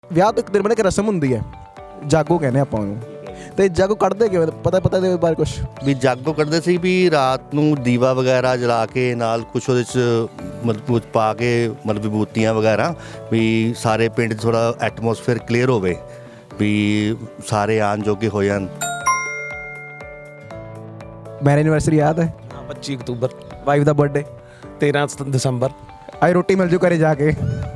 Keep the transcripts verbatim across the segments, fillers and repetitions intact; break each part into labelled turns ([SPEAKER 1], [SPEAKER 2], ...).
[SPEAKER 1] ਵਿਆਹ ਤੋਂ ਇੱਕ ਦਿਨ ਪਹਿਲਾਂ ਇੱਕ ਰਸਮ ਹੁੰਦੀ ਹੈ, ਜਾਗੋ ਕਹਿੰਦੇ ਆਪਾਂ ਉਹਨੂੰ। ਤੇ ਜਾਗੋ ਕੱਢਦੇ ਕਿਵੇਂ, ਪਤਾ ਪਤਾ ਦੇ ਬਾਰੇ ਕੁਛ
[SPEAKER 2] ਵੀ ਜਾਗੋ ਕੱਢਦੇ ਸੀ ਵੀ ਰਾਤ ਨੂੰ ਦੀਵਾ ਵਗੈਰਾ ਜਲਾ ਕੇ ਨਾਲ ਕੁਛ ਉਹਦੇ 'ਚ ਮਤਲਬ ਕੁਛ ਪਾ ਕੇ ਮਤਲਬ ਵਿਭੂਤੀਆਂ ਵਗੈਰਾ ਵੀ ਸਾਰੇ ਪਿੰਡ 'ਚ ਥੋੜ੍ਹਾ ਐਟਮੋਸਫੇਅਰ ਕਲੀਅਰ ਹੋਵੇ ਵੀ ਸਾਰੇ ਆਉਣ ਜੋਗੇ ਹੋ ਜਾਣ।
[SPEAKER 1] ਮੈਰਿਜ ਐਨਵਰਸਰੀ ਯਾਦ ਹੈ?
[SPEAKER 3] ਹਾਂ ਪੱਚੀ ਅਕਤੂਬਰ
[SPEAKER 1] ਵਾਈਫ ਦਾ ਬਰਥਡੇ
[SPEAKER 3] ਤੇਰਾਂ ਦਸੰਬਰ।
[SPEAKER 1] ਆਈ ਰੋਟੀ ਮਿਲ ਜੂ ਘਰੇ ਜਾ ਕੇ।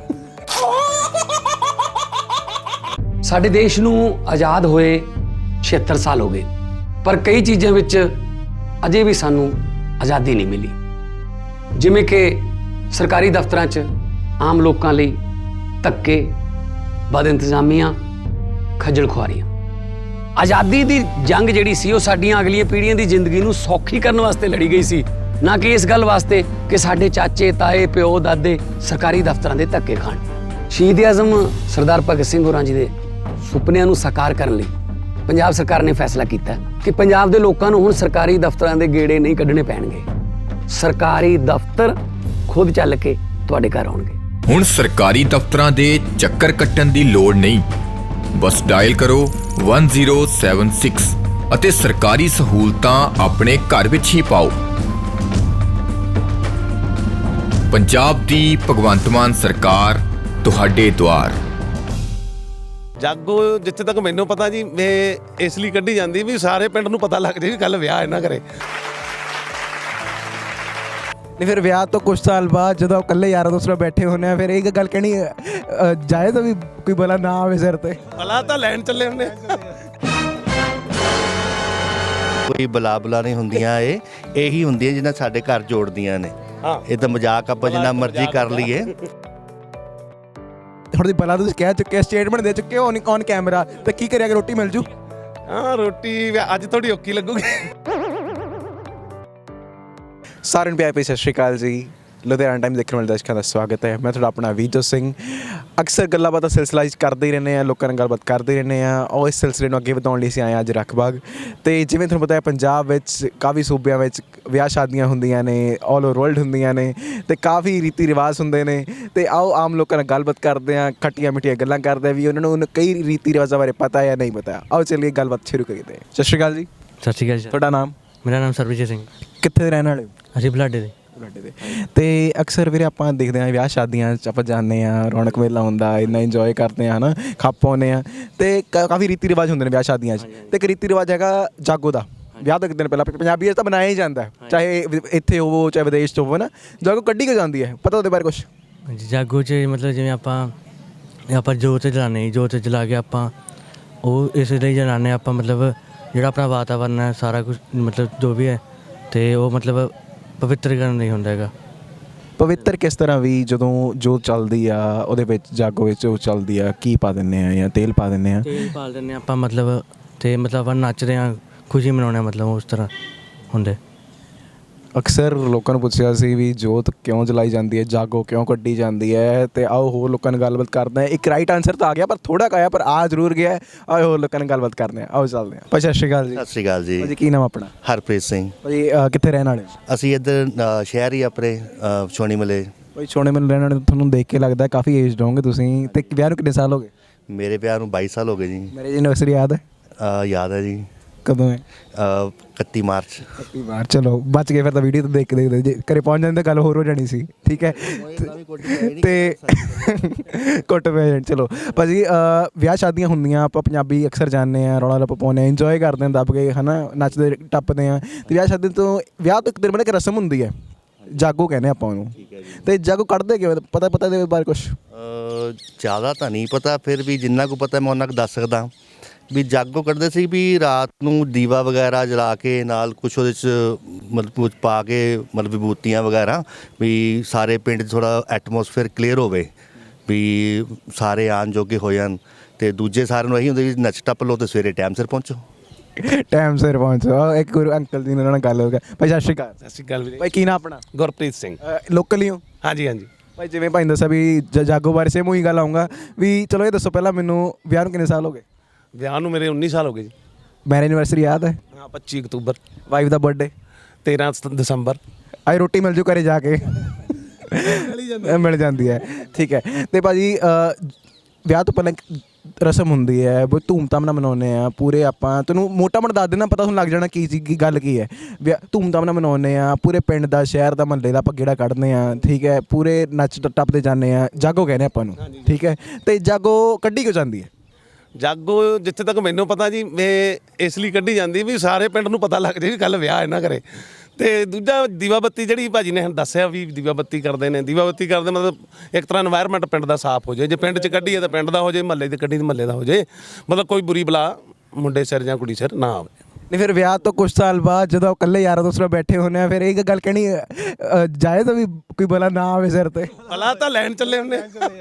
[SPEAKER 4] ਸਾਡੇ ਦੇਸ਼ ਨੂੰ ਆਜ਼ਾਦ ਹੋਏ ਛਿਹੱਤਰ ਸਾਲ ਹੋ ਗਏ, ਪਰ ਕਈ ਚੀਜ਼ਾਂ ਵਿੱਚ ਅਜੇ ਵੀ ਸਾਨੂੰ ਆਜ਼ਾਦੀ ਨਹੀਂ ਮਿਲੀ, ਜਿਵੇਂ ਕਿ ਸਰਕਾਰੀ ਦਫ਼ਤਰਾਂ 'ਚ ਆਮ ਲੋਕਾਂ ਲਈ ਧੱਕੇ, ਬਦ ਇੰਤਜ਼ਾਮੀਆਂ, ਖੱਜਲ ਖੁਆਰੀਆਂ। ਆਜ਼ਾਦੀ ਦੀ ਜੰਗ ਜਿਹੜੀ ਸੀ ਉਹ ਸਾਡੀਆਂ ਅਗਲੀਆਂ ਪੀੜ੍ਹੀਆਂ ਦੀ ਜ਼ਿੰਦਗੀ ਨੂੰ ਸੌਖੀ ਕਰਨ ਵਾਸਤੇ ਲੜੀ ਗਈ ਸੀ, ਨਾ ਕਿ ਇਸ ਗੱਲ ਵਾਸਤੇ ਕਿ ਸਾਡੇ ਚਾਚੇ, ਤਾਏ, ਪਿਓ, ਦਾਦੇ ਸਰਕਾਰੀ ਦਫ਼ਤਰਾਂ ਦੇ ਧੱਕੇ ਖਾਣ। ਸ਼ਹੀਦ ਆਜ਼ਮ ਸਰਦਾਰ ਭਗਤ ਸਿੰਘ ਹੋਰਾਂ ਜੀ ਦੇ ਸੁਪਨਿਆਂ ਨੂੰ ਸਾਕਾਰ ਕਰਨ ਲਈ ਪੰਜਾਬ ਸਰਕਾਰ ਨੇ ਫੈਸਲਾ ਕੀਤਾ ਕਿ ਪੰਜਾਬ ਦੇ ਲੋਕਾਂ ਨੂੰ ਹੁਣ ਸਰਕਾਰੀ ਦਫ਼ਤਰਾਂ ਦੇ ਗੇੜੇ ਨਹੀਂ ਕੱਢਣੇ ਪੈਣਗੇ। ਸਰਕਾਰੀ ਦਫ਼ਤਰ ਖੁਦ ਚੱਲ ਕੇ ਤੁਹਾਡੇ ਘਰ ਆਉਣਗੇ।
[SPEAKER 5] ਹੁਣ ਸਰਕਾਰੀ ਦਫ਼ਤਰਾਂ ਦੇ ਚੱਕਰ ਕੱਟਣ ਦੀ ਲੋੜ ਨਹੀਂ, ਬਸ ਡਾਇਲ ਕਰੋ ਇੱਕ ਜ਼ੀਰੋ ਸੱਤ ਛੇ ਅਤੇ ਸਰਕਾਰੀ ਸਹੂਲਤਾਂ ਆਪਣੇ ਘਰ ਵਿੱਚ ਹੀ ਪਾਓ। ਪੰਜਾਬ ਦੀ ਭਗਵੰਤ ਮਾਨ ਸਰਕਾਰ ਤੁਹਾਡੇ ਦੁਆਰ।
[SPEAKER 3] ਜਾਗੋ ਜਿੱਥੇ ਤੱਕ ਮੈਨੂੰ ਪਤਾ ਜੀ ਵੇ ਇਸ ਲਈ ਕੱਢੀ ਜਾਂਦੀ ਵੀ ਸਾਰੇ ਪਿੰਡ ਨੂੰ ਪਤਾ ਲੱਗ ਜੇ ਵੀ ਕੱਲ ਵਿਆਹ ਇਹਨਾਂ ਘਰੇ।
[SPEAKER 1] ਨਹੀਂ ਫਿਰ ਵਿਆਹ ਤੋਂ ਕੁਝ ਸਾਲ ਬਾਅਦ ਜਦੋਂ ਇਕੱਲੇ ਯਾਰਾਂ ਦੋਸਤਾਂ ਨਾਲ ਬੈਠੇ ਹੁੰਦੇ ਆ, ਫਿਰ ਇਹ ਗੱਲ ਕਹਿਣੀ ਜਾਏ ਤਾਂ ਵੀ ਕੋਈ ਬਲਾ ਨਾ ਆਵੇ ਸਿਰ ਤੇ।
[SPEAKER 3] ਭਲਾ ਤਾਂ ਲੈਣ ਚੱਲੇ ਹੁੰਦੇ।
[SPEAKER 2] ਕੋਈ ਬਲਾ ਬਲਾ ਨਹੀਂ ਹੁੰਦੀਆਂ, ਇਹ ਇਹੀ ਹੁੰਦੀਆਂ ਜਿਹਨਾਂ ਸਾਡੇ ਘਰ ਜੋੜਦੀਆਂ ਨੇ।
[SPEAKER 3] ਹਾਂ
[SPEAKER 2] ਇਹ ਤਾਂ ਮਜ਼ਾਕ ਆਪਾਂ ਜਿੰਨਾ ਮਰਜ਼ੀ ਕਰ ਲਈਏ।
[SPEAKER 1] ਹੁਣ ਦੀ ਬਲਾ ਤੁਸੀਂ ਕਹਿ ਚੁੱਕੇ, ਸਟੇਟਮੈਂਟ ਦੇ ਚੁੱਕੇ ਹੋ ਔਨ ਕੈਮਰਾ, ਤੇ ਕੀ ਕਰਿਆ ਕਿ ਰੋਟੀ ਮਿਲ ਜੂ?
[SPEAKER 3] ਹਾਂ ਰੋਟੀ ਅੱਜ ਥੋੜੀ ਔਖੀ ਲੱਗੂਗੀ।
[SPEAKER 1] ਸਾਰਿਆਂ ਨੂੰ ਪਿਆਰ ਭਰੀ ਸਤਿ ਸ਼੍ਰੀ ਅਕਾਲ ਜੀ। ਲੁਧਿਆਣਾ ਟਾਈਮ ਦੇਖਣ ਵਾਲੇ ਦਰਸ਼ਕਾਂ ਦਾ ਸਵਾਗਤ ਹੈ। ਮੈਂ ਤੁਹਾਡਾ ਆਪਣਾ ਵੀਜੋ ਸਿੰਘ। ਅਕਸਰ ਗੱਲਾਂ ਬਾਤਾਂ ਸਿਲਸਿਲਾ ਵਿੱਚ ਕਰਦੇ ਹੀ ਰਹਿੰਦੇ ਹਾਂ, ਲੋਕਾਂ ਨਾਲ ਗੱਲਬਾਤ ਕਰਦੇ ਰਹਿੰਦੇ ਹਾਂ, ਔਰ ਇਸ ਸਿਲਸਿਲੇ ਨੂੰ ਅੱਗੇ ਵਧਾਉਣ ਲਈ ਅਸੀਂ ਆਏ ਹਾਂ ਅੱਜ ਰੱਖਬਾਗ। ਅਤੇ ਜਿਵੇਂ ਤੁਹਾਨੂੰ ਪਤਾ ਹੈ ਪੰਜਾਬ ਵਿੱਚ ਕਾਫੀ ਸੂਬਿਆਂ ਵਿੱਚ ਵਿਆਹ ਸ਼ਾਦੀਆਂ ਹੁੰਦੀਆਂ ਨੇ, ਆਲ ਓਵਰ ਵਰਲਡ ਹੁੰਦੀਆਂ ਨੇ, ਅਤੇ ਕਾਫੀ ਰੀਤੀ ਰਿਵਾਜ਼ ਹੁੰਦੇ ਨੇ। ਅਤੇ ਆਓ ਆਮ ਲੋਕਾਂ ਨਾਲ ਗੱਲਬਾਤ ਕਰਦੇ ਹਾਂ, ਖੱਟੀਆਂ ਮਿੱਠੀਆਂ ਗੱਲਾਂ ਕਰਦੇ ਹਾਂ ਵੀ ਉਹਨਾਂ ਨੂੰ ਕਈ ਰੀਤੀ ਰਿਵਾਜ਼ਾਂ ਬਾਰੇ ਪਤਾ ਜਾਂ ਨਹੀਂ ਪਤਾ। ਆਓ ਚੱਲੀਏ ਗੱਲਬਾਤ ਸ਼ੁਰੂ ਕਰੀਏ। ਸਤਿ ਸ਼੍ਰੀ ਅਕਾਲ ਜੀ।
[SPEAKER 6] ਸਤਿ ਸ਼੍ਰੀ ਅਕਾਲ ਜੀ।
[SPEAKER 1] ਤੁਹਾਡਾ ਨਾਮ?
[SPEAKER 6] ਮੇਰਾ ਨਾਮ ਸਰਬਜੀਤ ਸਿੰਘ।
[SPEAKER 1] ਕਿੱਥੇ ਦੇ ਰਹਿਣ ਵਾਲੇ ਹੋ?
[SPEAKER 6] ਅਸੀਂ ਬੁਲਾਡੇ ਦੇ।
[SPEAKER 1] ਬੁਲਾਡੇ ਦੇ। ਅਤੇ ਅਕਸਰ ਵੀਰੇ ਆਪਾਂ ਦੇਖਦੇ ਹਾਂ ਵਿਆਹ ਸ਼ਾਦੀਆਂ 'ਚ ਆਪਾਂ ਜਾਂਦੇ ਹਾਂ, ਰੌਣਕ ਮੇਲਾ ਹੁੰਦਾ, ਇੰਨਾ ਇੰਜੋਏ ਕਰਦੇ ਹਾਂ, ਹੈ ਨਾ, ਖੱਪ ਪਾਉਂਦੇ ਹਾਂ, ਅਤੇ ਕਾਫੀ ਰੀਤੀ ਰਿਵਾਜ਼ ਹੁੰਦੇ ਨੇ ਵਿਆਹ ਸ਼ਾਦੀਆਂ 'ਚ। ਅਤੇ ਇੱਕ ਰੀਤੀ ਰਿਵਾਜ਼ ਹੈਗਾ ਜਾਗੋ ਦਾ। ਵਿਆਹ ਤੋਂ ਇੱਕ ਦਿਨ ਪਹਿਲਾਂ ਪੰਜਾਬੀ ਤਾਂ ਬਣਾਇਆ ਹੀ ਜਾਂਦਾ, ਚਾਹੇ ਇੱਥੇ ਹੋਵੋ ਚਾਹੇ ਵਿਦੇਸ਼ 'ਚ ਹੋਵੋ ਨਾ, ਜਾਗੋ ਕੱਢੀ ਕਿਉਂ ਜਾਂਦੀ ਹੈ, ਪਤਾ ਉਹਦੇ ਬਾਰੇ ਕੁਛ?
[SPEAKER 6] ਜਾਗੋ 'ਚ ਮਤਲਬ ਜਿਵੇਂ ਆਪਾਂ ਆਪਾਂ ਜੋਤ ਜਲਾਉਂਦੇ, ਜੋਤ ਜਲਾ ਕੇ ਆਪਾਂ ਉਹ ਇਸ ਲਈ ਜਲਾਉਂਦੇ ਆਪਾਂ, ਮਤਲਬ ਜਿਹੜਾ ਆਪਣਾ ਵਾਤਾਵਰਨ ਹੈ ਸਾਰਾ ਕੁਛ ਮਤਲਬ ਜੋ ਵੀ ਹੈ, ਅਤੇ ਉਹ ਮਤਲਬ ਪਵਿੱਤਰ ਕਰਨ ਲਈ ਹੁੰਦਾ ਹੈਗਾ।
[SPEAKER 1] ਪਵਿੱਤਰ ਕਿਸ ਤਰ੍ਹਾਂ? ਵੀ ਜਦੋਂ ਜੋਤ ਚੱਲਦੀ ਆ ਉਹਦੇ ਵਿੱਚ, ਜਾਗੋ ਵਿੱਚ ਉਹ ਚੱਲਦੀ ਆ, ਕੀ ਪਾ ਦਿੰਦੇ ਆ ਜਾਂ ਤੇਲ ਪਾ ਦਿੰਦੇ ਆ?
[SPEAKER 6] ਤੇਲ ਪਾ ਦਿੰਦੇ ਹਾਂ ਆਪਾਂ, ਮਤਲਬ ਅਤੇ ਮਤਲਬ ਆਪਾਂ ਨੱਚਦੇ ਹਾਂ, ਖੁਸ਼ੀ ਮਨਾਉਂਦੇ ਹਾਂ, ਮਤਲਬ ਉਸ ਤਰ੍ਹਾਂ ਹੁੰਦੇ।
[SPEAKER 1] ਅਕਸਰ ਲੋਕਾਂ ਨੂੰ ਪੁੱਛਿਆ ਸੀ ਵੀ ਜੋਤ ਕਿਉਂ ਜਲਾਈ ਜਾਂਦੀ ਹੈ, ਜਾਗੋ ਕਿਉਂ ਕੱਢੀ ਜਾਂਦੀ ਹੈ, ਅਤੇ ਆਓ ਹੋਰ ਲੋਕਾਂ ਨਾਲ ਗੱਲਬਾਤ ਕਰਦੇ ਹਾਂ। ਇੱਕ ਰਾਈਟ ਆਨਸਰ ਤਾਂ ਆ ਗਿਆ, ਪਰ ਥੋੜ੍ਹਾ ਕੁ ਆਇਆ, ਪਰ ਆ ਜ਼ਰੂਰ ਗਿਆ। ਆਓ ਹੋਰ ਲੋਕਾਂ ਨਾਲ ਗੱਲਬਾਤ ਕਰਦੇ ਹਾਂ, ਆਓ ਚੱਲਦੇ ਹਾਂ। ਭਾਈ ਸਤਿ ਸ਼੍ਰੀ ਅਕਾਲ ਜੀ।
[SPEAKER 2] ਸਤਿ ਸ਼੍ਰੀ ਅਕਾਲ ਜੀ।
[SPEAKER 1] ਭਾਜੀ ਕੀ ਨਾਮ ਆਪਣਾ?
[SPEAKER 2] ਹਰਪ੍ਰੀਤ ਸਿੰਘ।
[SPEAKER 1] ਭਾਜੀ ਕਿੱਥੇ ਰਹਿਣ ਵਾਲੇ?
[SPEAKER 2] ਅਸੀਂ ਇੱਧਰ ਅ, ਸ਼ਹਿਰ ਹੀ ਆਪਣੇ ਅ, ਛੋਣੀ ਮਲੇ।
[SPEAKER 1] ਭਾਈ ਛੋਣੇ ਮੈਨੂੰ ਰਹਿਣ ਵਾਲੇ, ਤੁਹਾਨੂੰ ਦੇਖ ਕੇ ਲੱਗਦਾ ਕਾਫੀ ਏਜਡ ਹੋਗੇ ਤੁਸੀਂ। ਅਤੇ ਵਿਆਹ ਨੂੰ ਕਿੰਨੇ ਸਾਲ ਹੋ ਗਏ?
[SPEAKER 2] ਮੇਰੇ ਵਿਆਹ ਨੂੰ ਬਾਈ ਸਾਲ ਹੋ ਗਏ ਜੀ।
[SPEAKER 1] ਮੈਰਿਜ ਐਨਵਰਸਰੀ ਯਾਦ ਹੈ?
[SPEAKER 2] ਅ, ਯਾਦ ਹੈ ਜੀ।
[SPEAKER 1] ਕਦੋਂ ਹੈ?
[SPEAKER 2] ਅ, ਇਕੱਤੀ ਮਾਰਚ।
[SPEAKER 1] ਇਕੱਤੀ ਮਾਰਚ। ਚਲੋ ਬਚ ਗਏ ਫਿਰ ਤਾਂ, ਵੀਡੀਓ ਤਾਂ ਦੇਖ ਕੇ ਦੇਖਦੇ, ਜੇ ਘਰੇ ਪਹੁੰਚ ਜਾਂਦੇ ਤਾਂ ਗੱਲ ਹੋਰ ਹੋ ਜਾਣੀ ਸੀ। ਠੀਕ ਹੈ, ਅਤੇ ਕੁੱਟ ਪੈ ਜਾਣ। ਚਲੋ ਭਾਜੀ ਵਿਆਹ ਸ਼ਾਦੀਆਂ ਹੁੰਦੀਆਂ, ਆਪਾਂ ਪੰਜਾਬੀ ਅਕਸਰ ਜਾਂਦੇ ਹਾਂ, ਰੌਲਾ ਰੱਪਾ ਪਾਉਂਦੇ ਹਾਂ, ਇੰਜੋਏ ਕਰਦੇ ਹਾਂ ਦੱਬ ਕੇ, ਹੈ ਨਾ, ਨੱਚਦੇ ਟੱਪਦੇ ਹਾਂ। ਅਤੇ ਵਿਆਹ ਸ਼ਾਦੀ ਤੋਂ ਵਿਆਹ ਤੋਂ ਇੱਕ ਦਿਨ ਪਹਿਲਾਂ ਇੱਕ ਰਸਮ ਹੁੰਦੀ ਹੈ, ਜਾਗੋ ਕਹਿੰਦੇ ਆਪਾਂ ਉਹਨੂੰ। ਅਤੇ ਜਾਗੋ ਕੱਢਦੇ ਕਿਵੇਂ, ਪਤਾ ਪਤਾ ਦੇ ਬਾਰੇ ਕੁਛ?
[SPEAKER 2] ਜ਼ਿਆਦਾ ਤਾਂ ਨਹੀਂ ਪਤਾ, ਫਿਰ ਵੀ ਜਿੰਨਾ ਕੁ ਪਤਾ ਮੈਂ ਉਹਨਾਂ ਕੁ ਦੱਸ ਸਕਦਾ। ਵੀ ਜਾਗੋ ਕੱਢਦੇ ਸੀ ਵੀ ਰਾਤ ਨੂੰ ਦੀਵਾ ਵਗੈਰਾ ਜਲਾ ਕੇ ਨਾਲ ਕੁਛ ਉਹਦੇ 'ਚ ਮਤਲਬ ਕੁਛ ਪਾ ਕੇ ਮਤਲਬ ਵਿਭੂਤੀਆਂ ਵਗੈਰਾ ਵੀ ਸਾਰੇ ਪਿੰਡ 'ਚ ਥੋੜ੍ਹਾ ਐਟਮੋਸਫੇਅਰ ਕਲੀਅਰ ਹੋਵੇ ਵੀ ਸਾਰੇ ਆਉਣ ਜੋਗੇ ਹੋ ਜਾਣ। ਅਤੇ ਦੂਜੇ ਸਾਰਿਆਂ ਨੂੰ ਇਹੀ ਹੁੰਦਾ ਵੀ ਨੱਚ ਟੱਪ ਲਓ ਅਤੇ ਸਵੇਰੇ ਟਾਈਮ ਸਿਰ ਪਹੁੰਚੋ।
[SPEAKER 1] ਟਾਈਮ ਸਿਰ ਪਹੁੰਚੋ। ਇੱਕ ਗੁਰੂ ਅੰਕਲ ਜੀ ਨਾਲ ਗੱਲ ਹੋ ਗਿਆ। ਭਾਈ ਸਤਿ ਸ਼੍ਰੀ ਅਕਾਲ।
[SPEAKER 3] ਸਤਿ ਸ਼੍ਰੀ ਅਕਾਲ ਵੀਰੇ।
[SPEAKER 1] ਭਾਈ ਕੀ ਨਾਮ ਆਪਣਾ?
[SPEAKER 3] ਗੁਰਪ੍ਰੀਤ ਸਿੰਘ।
[SPEAKER 1] ਲੋਕਲ ਹੀ ਹੋ?
[SPEAKER 3] ਹਾਂਜੀ ਹਾਂਜੀ।
[SPEAKER 1] ਭਾਈ ਜਿਵੇਂ ਭਾਈ ਦੱਸਿਆ ਵੀ ਜ ਜਾਗੋ ਬਾਰੇ ਸੇਮ ਉਹੀ ਗੱਲ ਆਊਂਗਾ ਵੀ। ਚਲੋ ਇਹ ਦੱਸੋ ਪਹਿਲਾਂ ਮੈਨੂੰ, ਵਿਆਹ ਨੂੰ ਕਿੰਨੇ ਸਾਲ ਹੋ ਗਏ?
[SPEAKER 3] ਵਿਆਹ ਨੂੰ ਮੇਰੇ ਉੱਨੀ ਸਾਲ ਹੋ ਗਏ ਜੀ।
[SPEAKER 1] ਮੈਰਿਜ ਐਨਵਰਸਰੀ ਯਾਦ ਹੈ?
[SPEAKER 3] ਹਾਂ ਪੱਚੀ ਅਕਤੂਬਰ।
[SPEAKER 1] ਵਾਈਫ ਦਾ ਬਰਥਡੇ?
[SPEAKER 3] ਤੇਰਾਂ ਦਸੰਬਰ।
[SPEAKER 1] ਆਈ ਰੋਟੀ ਮਿਲ ਜੂ ਘਰੇ ਜਾ ਕੇ। ਮਿਲ ਜਾਂਦੀ ਹੈ। ਠੀਕ ਹੈ। ਅਤੇ ਭਾਜੀ ਵਿਆਹ ਤੋਂ ਪਹਿਲਾਂ ਇੱਕ ਰਸਮ ਹੁੰਦੀ ਹੈ ਬਹੁਤ ਧੂਮਧਾਮ ਨਾਲ ਮਨਾਉਂਦੇ ਆ ਪੂਰੇ ਆਪਾਂ ਤੈਨੂੰ ਮੋਟਾ ਮੋਟਾ ਦੱਸ ਦੇਣਾ ਪਤਾ ਤੁਹਾਨੂੰ ਲੱਗ ਜਾਣਾ ਕੀ ਚੀਜ਼ ਕੀ ਗੱਲ ਕੀ ਹੈ ਵਿਆਹ ਧੂਮਧਾਮ ਨਾਲ ਮਨਾਉਂਦੇ ਆ ਪੂਰੇ ਪਿੰਡ ਦਾ ਸ਼ਹਿਰ ਦਾ ਮਹੱਲੇ ਦਾ ਆਪਾਂ ਗੇੜਾ ਕੱਢਦੇ ਆ ਠੀਕ ਹੈ ਪੂਰੇ ਨੱਚ ਟੱਪਦੇ ਜਾਂਦੇ ਆ ਜਾਗੋ ਕਹਿੰਦੇ ਆਪਾਂ ਨੂੰ ਠੀਕ ਹੈ ਤੇ ਜਾਗੋ ਕੱਢੀ ਕਿਉਂ ਜਾਂਦੀ ਹੈ
[SPEAKER 3] ਜਾਗੋ ਜਿੱਥੇ ਤੱਕ ਮੈਨੂੰ ਪਤਾ ਜੀ ਇਹ ਇਸ ਲਈ ਕੱਢੀ ਜਾਂਦੀ ਵੀ ਸਾਰੇ ਪਿੰਡ ਨੂੰ ਪਤਾ ਲੱਗ ਜੇ ਵੀ ਕੱਲ ਵਿਆਹ ਇਹਨਾਂ ਘਰੇ ਤੇ ਦੂਜਾ ਦੀਵਾ ਬੱਤੀ ਜਿਹੜੀ ਭਾਜੀ ਨੇ ਦੱਸਿਆ ਵੀ ਦੀਵਾ ਬੱਤੀ ਕਰਦੇ ਨੇ ਦੀਵਾ ਬੱਤੀ ਕਰਦੇ ਮਤਲਬ ਇੱਕ ਤਰ੍ਹਾਂ এনवायरमेंट ਪਿੰਡ ਦਾ ਸਾਫ਼ ਹੋ ਜਾਏ ਜੇ ਪਿੰਡ 'ਚ ਕੱਢੀਏ ਤਾਂ ਪਿੰਡ ਦਾ ਹੋ ਜਾਏ ਮਹੱਲੇ 'ਚ ਕੱਢੀ ਤਾਂ ਮਹੱਲੇ ਦਾ ਹੋ ਜਾਏ ਮਤਲਬ ਕੋਈ ਬੁਰੀ ਬਲਾ ਮੁੰਡੇ ਸਿਰ ਜਾਂ ਕੁੜੀ ਸਿਰ ਨਾ ਆਵੇ
[SPEAKER 1] ਨਹੀਂ ਫਿਰ ਵਿਆਹ ਤੋਂ ਕੁਝ ਸਾਲ ਬਾਅਦ ਜਦੋਂ ਇਕੱਲੇ ਯਾਰਾਂ ਦੋਸਤ ਨਾਲ ਬੈਠੇ ਹੁੰਦੇ ਆ ਫਿਰ ਇਹ ਗੱਲ ਕਹਿਣੀ ਅ, ਜਾਏ ਤਾਂ ਵੀ ਕੋਈ ਬਲਾ ਨਾ ਆਵੇ ਸਿਰ ਤੇ
[SPEAKER 3] ਭਲਾ ਤਾਂ ਲੈਣ ਚੱਲੇ ਹੁੰਦੇ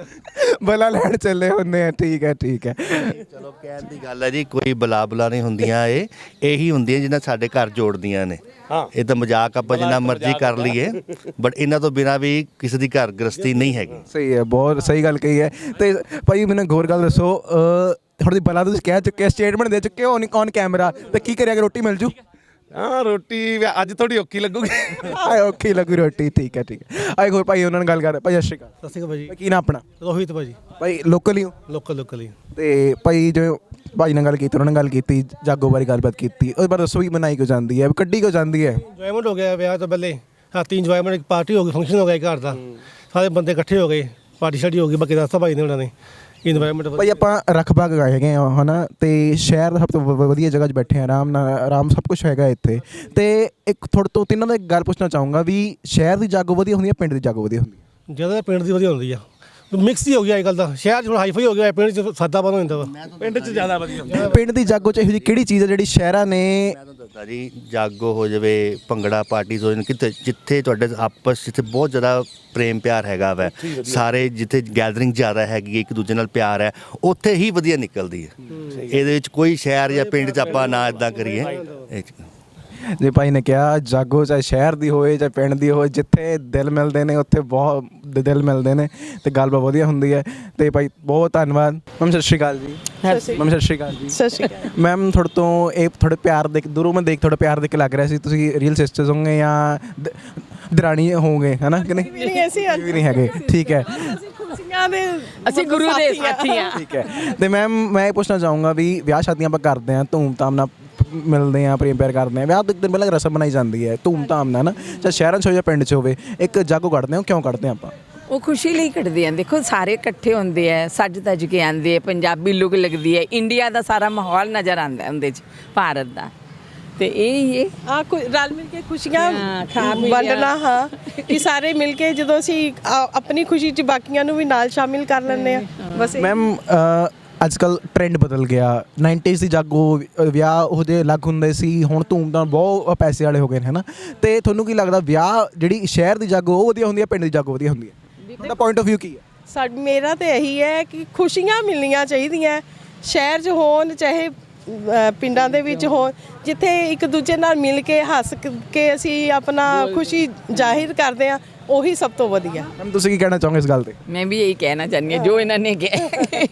[SPEAKER 1] ਬਲਾ ਲੈਣ ਚੱਲੇ ਹੁੰਦੇ ਆ ਠੀਕ ਹੈ ਠੀਕ ਹੈ
[SPEAKER 2] ਚਲੋ ਕਹਿਣ ਦੀ ਗੱਲ ਹੈ ਜੀ ਕੋਈ ਬਲਾ ਬਲਾ ਨਹੀਂ ਹੁੰਦੀਆਂ ਇਹ ਇਹੀ ਹੁੰਦੀਆਂ ਜਿਹਨਾਂ ਸਾਡੇ ਘਰ ਜੋੜਦੀਆਂ ਨੇ
[SPEAKER 3] ਹਾਂ
[SPEAKER 2] ਇਹ ਤਾਂ ਮਜ਼ਾਕ ਆਪਾਂ ਜਿੰਨਾ ਮਰਜ਼ੀ ਕਰ ਲਈਏ ਬਟ ਇਹਨਾਂ ਤੋਂ ਬਿਨਾਂ ਵੀ ਕਿਸੇ ਦੀ ਘਰ ਗ੍ਰਸਤੀ ਨਹੀਂ ਹੈਗੀ
[SPEAKER 1] ਸਹੀ ਹੈ ਬਹੁਤ ਸਹੀ ਗੱਲ ਕਹੀ ਹੈ ਤੇ ਭਾਈ ਮੈਨੂੰ ਇੱਕ ਹੋਰ ਗੱਲ ਦੱਸੋ ਥੋੜੀ ਬਲਾ ਤੁਸੀਂ ਕਹਿ ਚੁੱਕੇ ਸਟੇਟਮੈਂਟ ਦੇ ਚੁੱਕੇ ਹੋ ਔਨ ਕੈਮਰਾ ਤੇ ਕੀ ਕਰਿਆ ਕਿ ਰੋਟੀ ਮਿਲ ਜੂ
[SPEAKER 3] ਹਾਂ ਰੋਟੀ ਅੱਜ ਥੋੜੀ ਔਖੀ ਲੱਗੂਗੀ
[SPEAKER 1] ਆਏ ਓਕੇ ਲੱਗੂ ਰੋਟੀ ਠੀਕ ਹੈ ਠੀਕ ਹੈ ਆਏ ਹੋਰ ਭਾਈ ਉਹਨਾਂ ਨਾਲ ਗੱਲ ਕਰ ਭਾਈ ਸਤਿ ਸ਼੍ਰੀ ਅਕਾਲ
[SPEAKER 7] ਸਤਿ ਸ਼੍ਰੀ ਅਕਾਲ ਭਾਜੀ
[SPEAKER 1] ਕੀ ਨਾ ਆਪਣਾ
[SPEAKER 7] ਰੋਹਿਤ ਭਾਜੀ
[SPEAKER 1] ਭਾਈ ਲੋਕਲ ਹੀ ਹੋ
[SPEAKER 7] ਲੋਕਲ ਲੋਕਲ ਹੀ
[SPEAKER 1] ਤੇ ਭਾਈ ਜੋ ਭਾਈ ਨਾਲ ਗੱਲ ਕੀਤੀ ਉਹਨਾਂ ਨਾਲ ਗੱਲ ਕੀਤੀ ਜਾਗੋ ਬਾਰੇ ਗੱਲਬਾਤ ਕੀਤੀ ਉਹਦੇ ਬਾਰੇ ਦੱਸੋ ਵੀ ਮਨਾਈ ਕਿਉਂ ਜਾਂਦੀ ਹੈ ਕੱਢੀ ਕਿਉਂ ਜਾਂਦੀ ਹੈ
[SPEAKER 7] ਇੰਜੋਇਮੈਂਟ ਹੋ ਗਿਆ ਵਿਆਹ ਤੋਂ ਪਹਿਲੇ ਰਾਤੀ ਇੰਜੋਇਮੈਂਟ ਇੱਕ ਪਾਰਟੀ ਹੋ ਗਈ ਫੰਕਸ਼ਨ ਹੋ ਗਿਆ ਘਰ ਦਾ ਸਾਰੇ ਬੰਦੇ ਇਕੱਠੇ ਹੋ ਗਏ ਪਾਰਟੀ ਸ਼ਾਟੀ ਹੋ ਗਈ ਬਾਕੀ ਦੱਸਤਾ ਭਾਈ ਨੇ ਉਹਨਾਂ ਨੇ ਇਨਵਾਇਰਮੈਂਟ
[SPEAKER 1] ਭਾਈ ਆਪਾਂ ਰਖਬਾਗ ਗਏ ਹੈਗੇ ਆ ਹਨਾ ਤੇ ਸ਼ਹਿਰ ਦਾ ਸਭ ਤੋਂ ਵ- ਵਧੀਆ ਜਗ੍ਹਾ 'ਚ ਬੈਠੇ ਆ ਆਰਾਮ ਨਾਲ ਆਰਾਮ ਸਭ ਕੁਝ ਹੈਗਾ ਇੱਥੇ ਤੇ ਇੱਕ ਤੁਹਾਡੇ ਤੋਂ ਤਿੰਨਾਂ ਦਾ ਇੱਕ ਗੱਲ ਪੁੱਛਣਾ ਚਾਹੂੰਗਾ ਵੀ ਸ਼ਹਿਰ ਦੀ ਜਾਗੋ ਵਧੀਆ ਹੁੰਦੀ ਹੈ ਪਿੰਡ ਦੀ ਜਾਗੋ ਵਧੀਆ ਹੁੰਦੀ ਹੈ
[SPEAKER 7] ਜ਼ਿਆਦਾ ਪਿੰਡ ਦੀ ਵਧੀਆ ਹੁੰਦੀ ਆ ਮਿਕਸ ਹੀ ਹੋ ਗਿਆ ਅੱਜ ਕੱਲ੍ਹ ਦਾ ਸ਼ਹਿਰ 'ਚ ਹੁਣ ਹਾਈਫਾਈ ਹੋ ਗਿਆ ਪਿੰਡ 'ਚ ਸਾਦਾ ਬਣ ਹੋ ਜਾਂਦਾ ਵਾ
[SPEAKER 3] ਪਿੰਡ 'ਚ ਜ਼ਿਆਦਾ ਵਧੀਆ
[SPEAKER 1] ਪਿੰਡ ਦੀ ਜਾਗੋ 'ਚ ਇਹੋ ਜਿਹੀ ਕਿਹੜੀ ਚੀਜ਼ ਹੈ ਜਿਹੜੀ ਸ਼ਹਿਰਾਂ ਨੇ
[SPEAKER 2] ਮੈਂ ਤੁਹਾਨੂੰ ਦੱਸਦਾ ਜੀ ਜਾਗੋ ਹੋ ਜਾਵੇ ਭੰਗੜਾ ਪਾਰਟੀਜ਼ ਹੋ ਜਾਣ ਕਿਤੇ ਜਿੱਥੇ ਤੁਹਾਡੇ ਆਪਸ ਜਿੱਥੇ ਬਹੁਤ ਜ਼ਿਆਦਾ ਪ੍ਰੇਮ ਪਿਆਰ ਹੈਗਾ ਵੈ ਸਾਰੇ ਜਿੱਥੇ ਗੈਦਰਿੰਗ ਜ਼ਿਆਦਾ ਹੈਗੀ ਹੈ ਇੱਕ ਦੂਜੇ ਨਾਲ ਪਿਆਰ ਹੈ ਉੱਥੇ ਹੀ ਵਧੀਆ ਨਿਕਲਦੀ ਹੈ ਇਹਦੇ ਵਿੱਚ ਕੋਈ ਸ਼ਹਿਰ ਜਾਂ ਪਿੰਡ 'ਚ ਆਪਾਂ ਨਾ ਇਦਾਂ ਕਰੀਏ ਇਹ 'ਚ
[SPEAKER 1] ਜੇ ਭਾਈ ਨੇ ਕਿਹਾ ਜਾਗੋ ਚਾਹੇ ਸ਼ਹਿਰ ਦੀ ਹੋਵੇ ਚਾਹੇ ਪਿੰਡ ਦੀ ਹੋਵੇ ਜਿੱਥੇ ਦਿਲ ਮਿਲਦੇ ਨੇ ਉੱਥੇ ਬਹੁਤ ਦ- ਦਿਲ ਮਿਲਦੇ ਨੇ ਤੇ ਗੱਲਬਾਤ ਵਧੀਆ ਹੁੰਦੀ ਹੈ ਤੇ ਭਾਈ ਬਹੁਤ ਧੰਨਵਾਦ ਮੈਮ ਸਤਿ ਸ਼੍ਰੀ ਅਕਾਲ ਜੀ ਮੈਮ ਸਤਿ ਸ਼੍ਰੀ ਅਕਾਲ ਜੀ
[SPEAKER 8] ਸਤਿ ਸ਼੍ਰੀ ਅਕਾਲ
[SPEAKER 1] ਮੈਮ ਤੁਹਾਡੇ ਤੋਂ ਇਹ ਥੋੜੇ ਪਿਆਰ ਦੇਖ ਦੂਰੋਂ ਮੈਂ ਦੇਖ ਥੋੜਾ ਪਿਆਰ ਦੇਖ ਕੇ ਲੱਗ ਰਿਹਾ ਸੀ ਤੁਸੀਂ ਰੀਅਲ ਸਿਸਟਰਸ ਹੋਗੇ ਜਾਂ ਦ- ਦਰਾਣੀ ਹੋਗੇ ਹਨਾ ਕਿ ਨਹੀਂ
[SPEAKER 8] ਵੀ ਨਹੀਂ ਅਸੀਂ
[SPEAKER 1] ਵੀ ਨਹੀਂ ਹੈਗੇ ਠੀਕ ਹੈ
[SPEAKER 8] ਅਸੀਂ ਖੁਸ਼ੀਆਂ ਦੇ
[SPEAKER 9] ਅਸੀਂ ਗੁਰੂ ਦੇ ਸਾਥੀ ਆ
[SPEAKER 1] ਠੀਕ ਹੈ ਤੇ ਮੈਮ ਮੈਂ ਇਹ ਪੁੱਛਣਾ ਚਾਹੂੰਗਾ ਵੀ ਵਿਆਹ ਸ਼ਾਦੀਆਂ ਆਪਾਂ ਕਰਦੇ ਹਾਂ ਧੂਮ-ਧਾਮ ਨਾਲ ਮਿਲਦੇ ਹਾਂ ਪ੍ਰੇਮ ਪਿਆਰ ਕਰਦੇ ਹਾਂ ਵਿਆਹ ਤੋਂ ਇੱਕ ਦਿਨ ਪਹਿਲਾਂ ਰਸਮ ਬਣਾਈ ਜਾਂਦੀ ਹੈ ਧੂਮ-ਧਾਮ ਨਾਲ ਨਾ ਚਾਹੇ ਸ਼ਹਿਰਾਂ 'ਚ ਹੋਵੇ ਜਾਂ ਪਿੰਡ 'ਚ ਹੋਵੇ ਇੱਕ ਜਾਗੋ ਕੱਢਦੇ ਹਾਂ ਉਹ ਕਿਉਂ ਕੱਢਦੇ ਹਾਂ ਆਪਾਂ
[SPEAKER 9] ਉਹ ਖੁਸ਼ੀ ਲਈ ਕੱਢਦੇ ਆ ਦੇਖੋ ਸਾਰੇ ਇਕੱਠੇ ਹੁੰਦੇ ਆ ਸੱਜ ਧੱਜ ਕੇ ਆਉਂਦੇ ਆ ਪੰਜਾਬੀ ਲੁੱਕ ਲੱਗਦੀ ਹੈ ਇੰਡੀਆ ਦਾ ਸਾਰਾ ਮਾਹੌਲ ਨਜ਼ਰ ਆਉਂਦਾ ਉਹਦੇ 'ਚ ਭਾਰਤ ਦਾ ਤੇ ਇਹ ਹੀ ਹੈ
[SPEAKER 8] ਆ ਰਲ ਮਿਲ ਕੇ ਖੁਸ਼ੀਆਂ
[SPEAKER 9] ਹਾਂ, ਖਾ ਪੀ
[SPEAKER 8] ਵੰਡਣਾ ਹਾਂ ਕਿ ਸਾਰੇ ਮਿਲ ਕੇ ਜਦੋਂ ਅਸੀਂ ਆ- ਆਪਣੀ ਖੁਸ਼ੀ 'ਚ ਬਾਕੀਆਂ ਨੂੰ ਵੀ ਨਾਲ ਸ਼ਾਮਿਲ ਕਰ ਲੈਂਦੇ ਆ ਬਸ ਇਹ-
[SPEAKER 1] ਮੈਮ ਅੱਜ ਕੱਲ ਟ੍ਰੈਂਡ ਬਦਲ ਗਿਆ ਨਾਈਨਟੀਜ਼ ਦੀ ਜਾਗੋ ਅ, ਵਿਆਹ ਉਹਦੇ ਅਲੱਗ ਹੁੰਦੇ ਸੀ ਹੁਣ ਧੂਮ-ਧਾਮ ਬਹੁਤ ਪੈਸੇ ਵਾਲੇ ਹੋ ਗਏ ਨੇ ਹਨਾ ਤੇ ਤੁਹਾਨੂੰ ਕੀ ਲੱਗਦਾ ਵਿਆਹ ਜਿਹੜੀ ਸ਼ਹਿਰ ਦੀ ਜਾਗੋ ਉਹ ਵਧੀਆ ਹੁੰਦੀ ਹੈ ਪਿੰਡ ਦੀ ਜਾਗੋ ਵਧੀਆ ਹੁੰਦੀ ਹੈ ਤੁਹਾਡਾ ਪੁਆਇੰਟ ਆਫ View ਕੀ ਹੈ
[SPEAKER 8] ਸਾ ਮੇਰਾ ਤੇ ਇਹੀ ਹੈ ਕਿ ਖੁਸ਼ੀਆਂ ਮਿਲਣੀਆਂ ਚਾਹੀਦੀਆਂ ਸ਼ਹਿਰ 'ਚ ਹੋਣ ਚਾਹੇ ਅ, ਪਿੰਡਾਂ ਦੇ ਵਿੱਚ ਹੋਣ ਜਿੱਥੇ ਇੱਕ ਦੂਜੇ ਨਾਲ ਮਿਲ ਕੇ ਹੱਸ ਕ- ਕੇ ਅਸੀਂ ਆਪਣਾ ਖੁਸ਼ੀ ਜ਼ਾਹਿਰ ਕਰਦੇ ਆ ਉਹੀ ਸਭ ਤੋਂ ਵਧੀਆ
[SPEAKER 1] ਮੈਮ ਤੁਸੀਂ ਕੀ ਕਹਿਣਾ ਚਾਹੋਗੇ ਇਸ ਗੱਲ ਤੇ
[SPEAKER 9] ਮੈਂ ਵੀ ਇਹੀ ਕਹਿਣਾ ਚਾਹੁੰਦੀ ਹਾਂ ਜੋ ਇਹਨਾਂ ਨੇ ਕਿਹਾ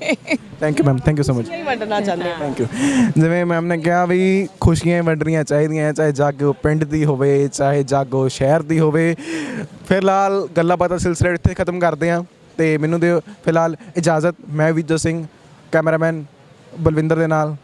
[SPEAKER 1] thank you ma'am thank you so much
[SPEAKER 8] ਹੀ ਵੰਡਣਾ ਚਾਹੁੰਦੇ ਆ
[SPEAKER 1] ਥੈਂਕ ਯੂ ਜਿਵੇਂ ਮੈਮ ਨੇ ਕਿਹਾ ਵੀ ਖੁਸ਼ੀਆਂ ਵੰਡਣੀਆਂ ਚਾਹੀਦੀਆਂ ਚਾਹੇ ਜਾਗੋ ਪਿੰਡ ਦੀ ਹੋਵੇ ਚਾਹੇ ਜਾਗੋ ਸ਼ਹਿਰ ਦੀ ਹੋਵੇ ਫਿਲਹਾਲ ਗੱਲਾਂ ਬਾਤਾਂ ਸਿਲਸਿਲਾ ਇੱਥੇ ਖਤਮ ਕਰਦੇ ਹਾਂ ਤੇ ਮੈਨੂੰ ਦਿਓ ਫਿਲਹਾਲ ਇਜਾਜ਼ਤ ਮੈਂ ਵਿਜੇ ਸਿੰਘ ਕੈਮਰਾਮੈਨ ਬਲਵਿੰਦਰ ਦੇ ਨਾਲ